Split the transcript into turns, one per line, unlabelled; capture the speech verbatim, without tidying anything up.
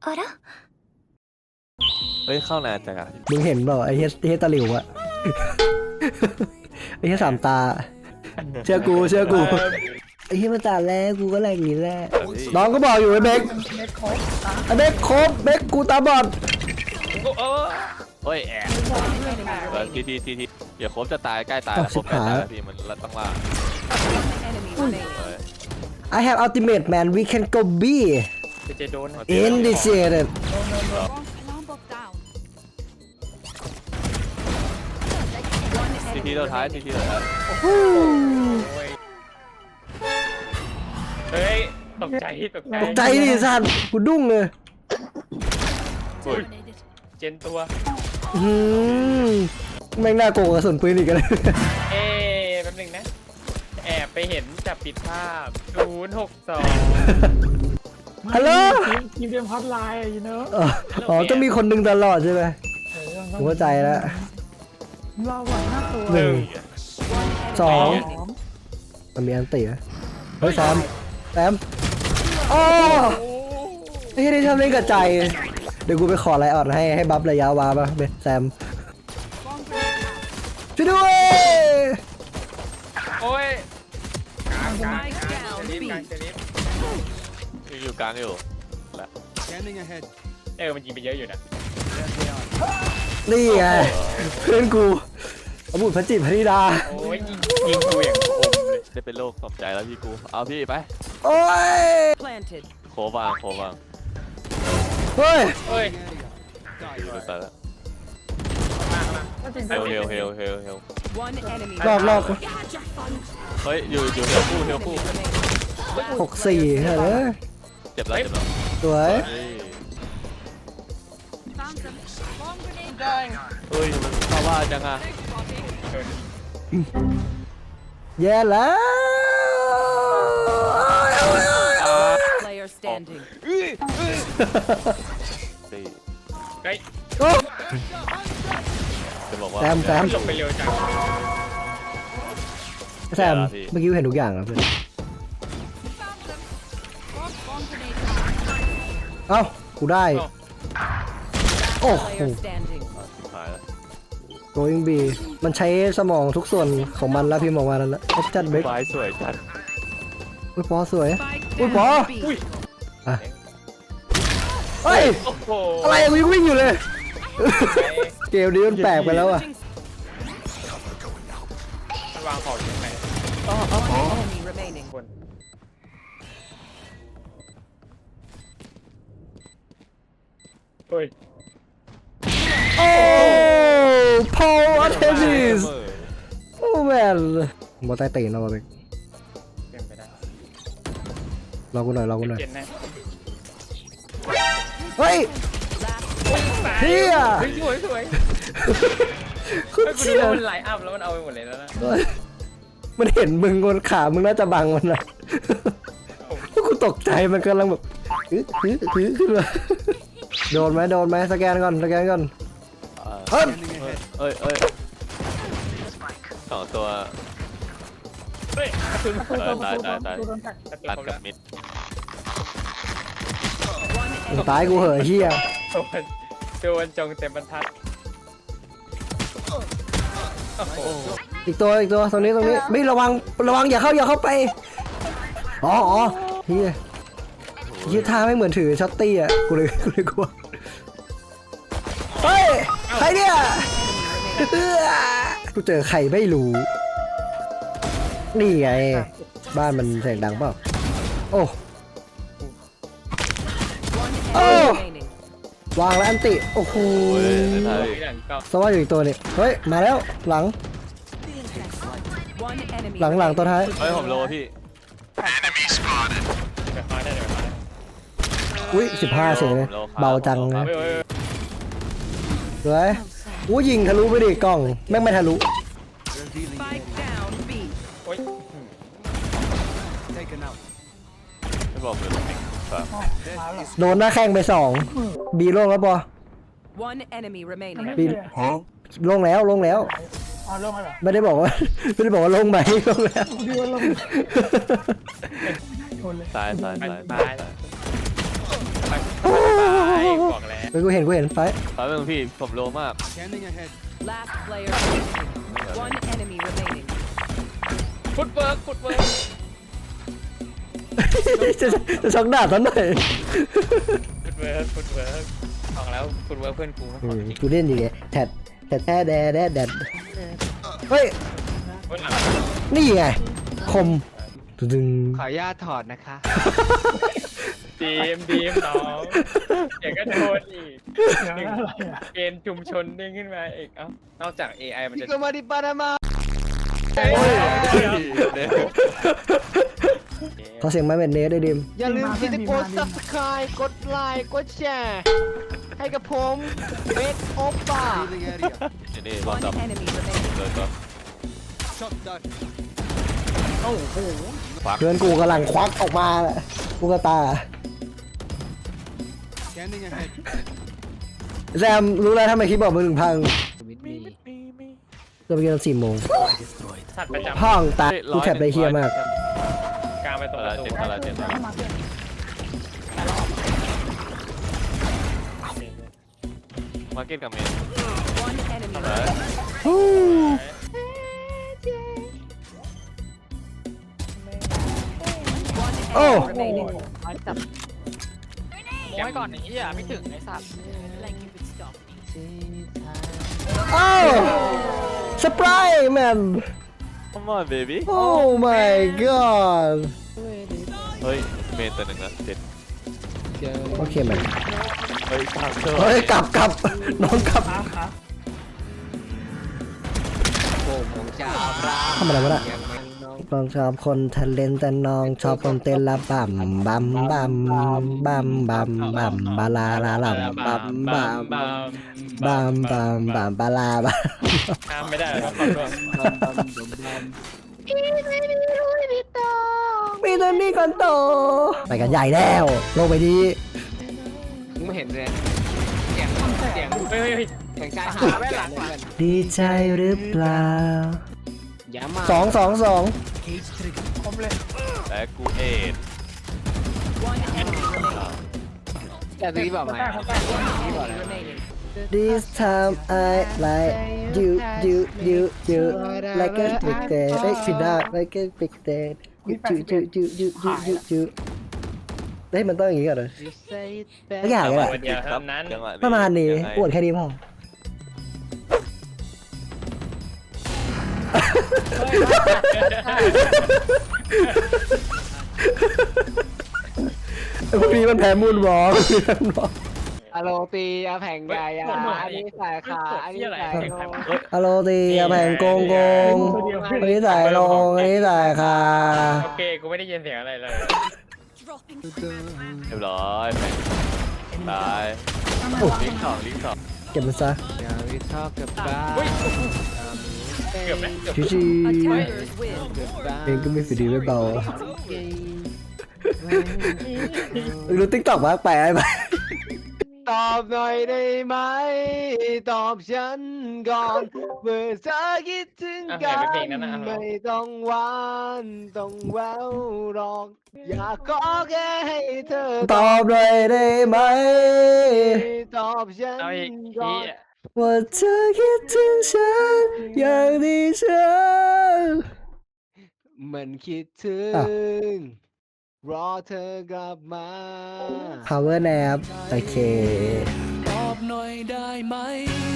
から
เฮ้ยเข้านานจังอ่ะ
มึงเห็นเปล่าไอ้เฮสเฮสตาหลิวอะไอ้เฮสสามตาเชื่อกูเชื่อกูไอ้เฮสมาตาแล้วกูก็แรงอย่างนี้แหละน้องก็บอกอยู่ไอ้เบคไอ้เบคครบเบคกูตาบอด
เฮ้ยแอบเออทีทีทีทีเดี๋ยวครบจะตายใกล้ตายแล้วครบใกล้ตายแล้วพี่มันต้องล่า
I have ultimate man we can go B
จะโดน
initiated
ทีทีเราท้ายทีทีเราท้าย
เฮ้ยตกใจตกใจ
ตกใจดิสัตว์กูดุ้งเลย
เจนตัว
อืมแม่งน่าโกงกระสุนปืนอีกกันเลย
เอ๊ะแป๊บนึงนะแอบไปเห็นจับปิดภาพศูนย์หกสอง
ฮัลโหล
ทีมเดียมฮอตไลน์อยู่เนอะ
อ๋อต้องมีคนหนึ่งตลอดใช่ไหม
เออ
ผมเข้าใจแล้ว
เราหวังหน้าตัว
หนึ่งสอง
สอง
มันมีอันตีนะเฮ้ยแซมแซมโอ้ไอ้ที่นี่ทำเล่นกับใจเดี๋ยวกูไปขอไลน์ออดให้ให้บัฟระยะวาป่ะเบสแซมช่วยด้วย
โอ้ยกลางกลางกลางเจลิฟกลางเจลิฟ
ยังอยู่กลางอยู่แหละ
เออมันยิงไปเยอะอยู่นะ
นี่ไงเพื่อนกูอบุตรพระจิตรพระธิดา
โอ้ยยิงยิงกูอย่างคมเลย
ได้เป็นโรคตกใจแล้วพี่กูเอาพี่ไป
โอ้ย
โควางโควาง
เฮ้ย
เฮ้ย
อยู่ในตาแล้ว
มามา
เฮลเฮลเฮลเฮลเฮล
รอบรอบ
เฮ้ยอยู่อยู่เฮลคู่เฮลคู่
หกสี่เฮ้ย
เจ็บแล้วเจ็บแล้ว
สวย
เฮ้ยมันเข้าว่าจังอ่ะ
แย่แล้ว
Player standing.
สี่
เฮ้ย
โอ้
จะบอกว่า
แซมแซม
ลงไปเร็วจัง
แซมเมื่อกี้เห็นทุกอย่างครับเพื่อนเอ้ากูได้โอ้โห
Player standing.
หายแล้ว
going B มันใช้สมองทุกส่วนของมันแล้วพี่มองว่านั้นแล้วจัดเบรก
ไฟสวยจัด
อุ้ยปอสวย
Spike
Ui,
down
bỏ.
B.
อ่ะเฮ้ย
โอ้โห
อะไรอะกูยังวิ่งอยู่เลย เกมนี้มันแปลกไปแล้วอ่ะ
วางของยังไง
Enemy remaining.
คนเฮ้ย
โอ้พอลอาร์เทมิสโอ้แมนบอลใต้ตีนเราเบรก
เป็นไปได้
รอกูหน่อยรอกูหน่อย
เจนนะ
เฮ้ย เฮีย
เฮ้ยสวยสวย
คุณ
เฮ้ยกู
เชี่
ดู
ย
ว่ามันไลน์อัพแล้วมันเอาไปหมดเลยแล้วนะ
มันเห็นมึงบนขามึงน่าจะบังมันนะกูตกใจมันกำลังแบบอื้ออื้ออื้อขึ้นมาโดนไหมโดนไหมสแกนก่อนสแกนก่อน
เฮ้ยเอ้ยเอ้ยสองตัว
เฮ้ยกระสุน
เออตายตายตาย
ตัวโดนกัด
กระสุน
ตัด
ผม
กั
แล้
บ
ว
มิด
ตายกูเหอะเฮีย
โดนโดนจงเต็มบรรทัดโอ้โห
อีกตัวอีกตัวตรงนี้ตรงนี้ไม่ระวังระวังอย่าเข้าอย่าเข้าไปอ๋ออ๋อเฮียเฮียท่าไม่เหมือนถือช็อตตี้อ่ะกูเลยกูเลยกลัวเฮ้ยใครเนี่ยเอื้อกูเจอใครไม่รู้นี่ไงบ้านมันเสียงดังเปล่าโอ้
One enemy
Oh.
remaining.
วางแล้วอันติโอ้โห
โอ้ยตาย
หลังก็
สวัสดีอีกตัวนี่เฮ้ยมาแล้วหลัง
One enemy.
หลังหลังตัวท้าย
เฮ้ยผมโลพี่
เดี๋ยวมาได้เดี๋ยวมาได้
อุ้ยสิบห้าเฉยเลยเบาจังเลย
เฮ้ยเฮ้ย
สวยอู้ยิงทะลุไปดิกล้องแม่งไม่ทะลุ
Spike down B.
โอ้ย
ไม่บอกเลยฝาก
โดนหน้าแข้งไปสองบีโล่งแล้วปอ
One enemy remaining.
บีโล่งแล้วโล่งแล้ว
เอาเริ่มมาเหรอ
ไม่ได้บอกว่า ไม่ได้บอกว่าลงไหมลงแล้ว
ดีว่าลงชนเลย
ตายตาย
มัน
ตาย
ตาย
ตาย
แล้ว
โอ้เฮ้ยกูเห็นกูเห็นไฟ
ขอเป็นพี่ผมโลมาก
Last player standing. One enemy remaining.
ฟุตเวิร์กฟุตเวิร์ก
จะจะช็อกดาบซะหน่อย
ฟุตเวิร์กฟุตเวิร์กบอกแล้วฟุตเวิร์กเพื่อนกู
อืมกูเล่นอย่างเงี้ยแทดแทดแท้แดดแดดแดดเฮ้ย
เพื่อนหลัง
นี่ไงคมดึง
ขออนุญาตถอดนะคะ
ดีมดีมน้องเดี๋ยวก็โดนอีก
เดี๋ยวนะอะไรอ่ะ
เกณฑ์ชุมชนเด้งขึ้นมาอีกเอ้านอกจาก เอ ไอ มัน
พิ
จะ
โกมาดิปานามา
เฮ้ย
ขอเสียงไม้เม็ดเนสด้วยดิม
อย่าลืมที่จะกด subscribe กดไลค์กดแชร์ให้กับผมเบสโอป้า
นี่นี่รอบ
One
ดับ
enemy remaining.
เลยก็
เพื่อนกูกำลังควักออกมาลูกตาแซมรู้แล้วทำไมคลิปบอกมือถึงพังเราไปกินตอนสี่โมง
สัตว์ประจำ
ห้องตากูแคปได้เฮียมาก
กลางไปตรง
อะ
ประตู
ไรเจ็ดอะไรเจ็ด
มาเก็ต
มาร์เก็ตกับเมน
One enemy
อะไร
remaining. One
Oh.
enemy remaining.
โอ้ยก่อนนี้อ่ะไม่ถึงไอ้สัตว์
Like you could stop me.
โอ้สปรายแมน
Come on baby
โอ้ my god
เฮ้ยเมนตัวหนึ่งนะเจ็ด
โอเคแมน
เฮ้ยทางเชอร์
เฮ้ยกลับกลับน้องกลับ
ขาขา
โป่งของชาวรา
ทำอะไรวะน่ะ
อย่างเมืองน้อง
น้องชอบคนทะเลนแต่น้องชอบคนเต้นละบัมบัมบัมบัมบัมบัมบาลาลาลัมบัมบัมบัมบัมบัมบัมบาลาบัม
ห้ามไม่ได้หรอกขอโทษ
มีตัวนี้ก่อนโตไปกันใหญ่แล้วลงไปดี
มึงไม่เห็นเลยเสียงเสียง
เฮ้ยเฮ้ยเฮ้ย
เสียงชายหาดแว่นหลังเหมือน
ดีใจหรือเปล่า
อย่ามา
สองสองสอง
ผมเลย
และกูเอ็ด
One enemy remaining.
แต่ตะกี้บอกไหม
Enemy remaining.
This time I like you you you you like a big day เอ้ยผิดได้ like a big day you you you you you you you เฮ้ยมันต้องอย่างงี้ก่อนเลย ไม่อยากเลยอะ
วันเดียวเท่านั้น
จังหว
ประมาณนี้
ยังไง
อวดแค่นี้พอไอ้พวกนี้มันแพ้มูนวอล์กพวกนี้มันวอล์ก
อะโรตีอาแผงใหญ่อะอันนี้สายขาอันนี้สายโล
อะโรตีอะแผงโกงโกงอันนี้สายลงอันนี้สายคา
โอเคกูไม่ได้ยินเสียงอะไรเลย
เรียบร้อยแม่งตายลิงก์สองลิงก์สอง
เก็บมันซะ
อย่าไปชอบกับบ้า
เฮ้ยเกือบไหมเกือบ
ชิชิ
Attackers win.
เองก็มีฝีดีไม่เบารู้ติ๊กต็อกมากไปไอ้ไป
ตอบหน่อยได้ไหมตอบฉันก่อนเมื่อเธอคิดถึงกันไม่ต้องหวานต้องแววหรอกอยากขอแค่ให้เธอ
ตอบหน่อยได้ไหม
ตอบฉัน
เอาอีก
ก่อ
ที
น
ว่าเธอคิดถึงฉันอย่างที่ฉัน
มันคิดถึงรอเธอกลับมา
power nap โอเค
ตอบหน่อยได้ไหม